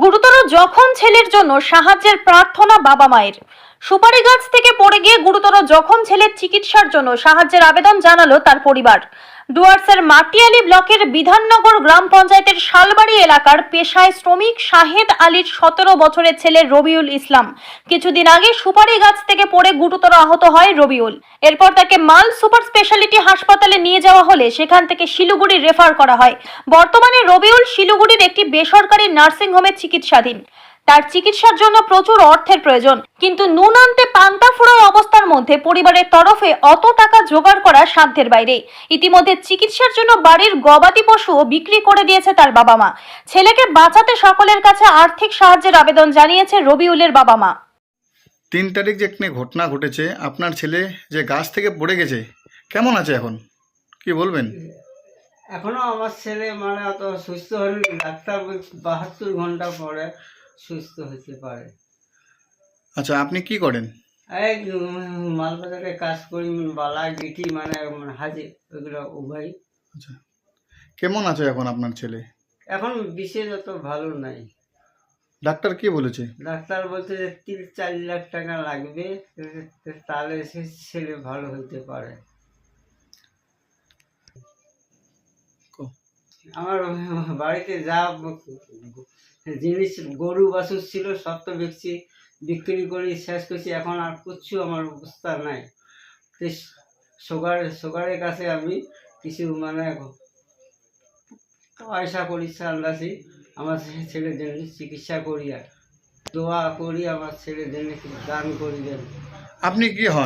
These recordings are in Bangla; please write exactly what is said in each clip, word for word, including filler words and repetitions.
গুরুতর জখম ছেলের জন্য সাহায্যের প্রার্থনা বাবা মায়ের। সুপারি গাছ থেকে পড়ে গিয়ে গুরুতর জখম ছেলের চিকিৎসার জন্য সাহায্যের আবেদন জানালো তার পরিবার। ডুয়ার্সের মাটিয়ালি ব্লকের বিধাননগর গ্রাম পঞ্চায়েতের শালবাড়ি এলাকার পেশায় শ্রমিক শাহেদ আলীর সতেরো বছরের ছেলে রবিউল ইসলাম কিছুদিন আগে সুপারি গাছ থেকে পড়ে গুরুতর আহত হয় রবিউল। এরপর তাকে মাল সুপার স্পেশালিটি হাসপাতালে নিয়ে যাওয়া হলে সেখান থেকে শিলিগুড়ি রেফার করা হয়। বর্তমানে রবিউল শিলিগুড়ির একটি বেসরকারি নার্সিং হোমে চিকিৎসাধীন। তার চিকিৎসার জন্য প্রচুর অর্থের প্রয়োজন, কিন্তু নুন আনতে পান্তা ফুরায় অবস্থার মধ্যে পরিবারের তরফে অত টাকা জোগাড় করা সাধ্যের বাইরে। ইতিমধ্যে চিকিৎসার জন্য বাড়ির গবাদি পশুও বিক্রি করে দিয়েছে তার বাবা মা। ছেলেকে বাঁচাতে সকলের কাছে আর্থিক সাহায্যের আবেদন জানিয়েছে রবিউলের বাবা মা। তিন তারিখ যে একটি ঘটনা ঘটেছে, আপনার ছেলে যে গাছ থেকে পড়ে গেছে, কেমন আছে এখন, কি বলবেন? এখনো আমার ছেলে মানে অত সুস্থ হয়নি। ডাক্তার বাহাত্তর ঘন্টা পরে সুস্থ হতে পারে। আচ্ছা, আপনি কি করেন? এই মালবাজারে কাজ করি, বালা গিটি মানে হাজি ওইগুলো উভয়। আচ্ছা, কেমন আছে এখন আপনার ছেলে? এখন বিশেষ অত ভালো নাই। ডাক্তার কি বলেছে? ডাক্তার বলছে যে তিন চার লাখ টাকা লাগবে, তাহলে সে ছেলে ভালো হতে পারে। আমার বাড়িতে যা জিনিস গরু বাছুর ছিল সব তো বিক্রি বিক্রি করে শেষ করছি। এখন আর কিচ্ছু আমার অবস্থা নাই। সুগার সুগারের কাছে আমি কিছু মানে পয়সা করি চান্দাছি আমার ছেলের জন্য চিকিৎসা করি, আর দোয়া করি আমার ছেলের জন্য দান করি দেন। আপনি কি হন?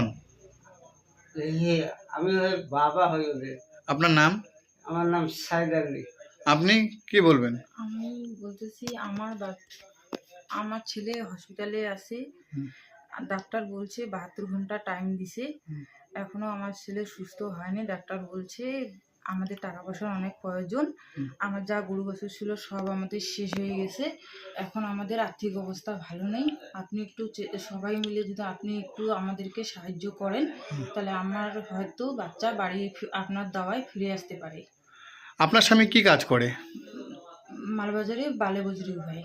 আমি বাবা হই ওদের। আপনার নাম? আমার নাম শাহেদ আলী। আপনি কি বলবেন? আমি বলতেছি আমার আমার ছেলে হসপিটালে আছে, ডাক্তার বলছে বাহাত্তর ঘন্টা টাইম দিছে, এখনো আমার ছেলে সুস্থ হয়নি। ডাক্তার বলছে আমাদের টাকা পয়সার অনেক প্রয়োজন, আমার যা গরু বছর ছিল সব আমাদের শেষ হয়ে গেছে, এখন আমাদের আর্থিক অবস্থা ভালো নেই। আপনি একটু সবাই মিলে যদি আপনি একটু আমাদেরকে সাহায্য করেন তাহলে আমার হয়তো বাচ্চা বাড়ি আপনার দাওয়ায় ফিরে আসতে পারে। আপনার স্বামী কি কাজ করে? মালবাজারে বালে বজরি ভাই।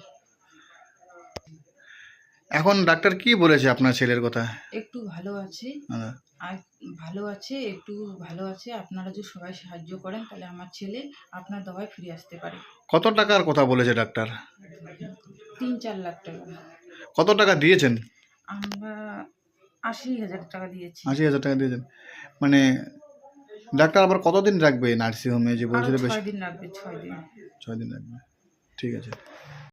এখন ডাক্তার কি বলেছে আপনার ছেলের কথা? একটু ভালো আছে, আর ভালো আছে, একটু ভালো আছে। আপনারা যদি সবাই সাহায্য করেন তাহলে আমার ছেলে আপনার দাওয়ায় ফিরে আসতে পারে। কত টাকার কথা বলেছে ডাক্তার? তিন চার লাখ টাকা। কত টাকা দিয়েছেন? আমরা আশি হাজার টাকা দিয়েছি। আশি হাজার টাকা দিয়েছেন, মানে ডাক্তার আবার কতদিন রাখবে নার্সিং হোমে যে বলছিল? ছয় দিন রাখবে। ছয় দিন ছয় দিন রাখবে, ঠিক আছে।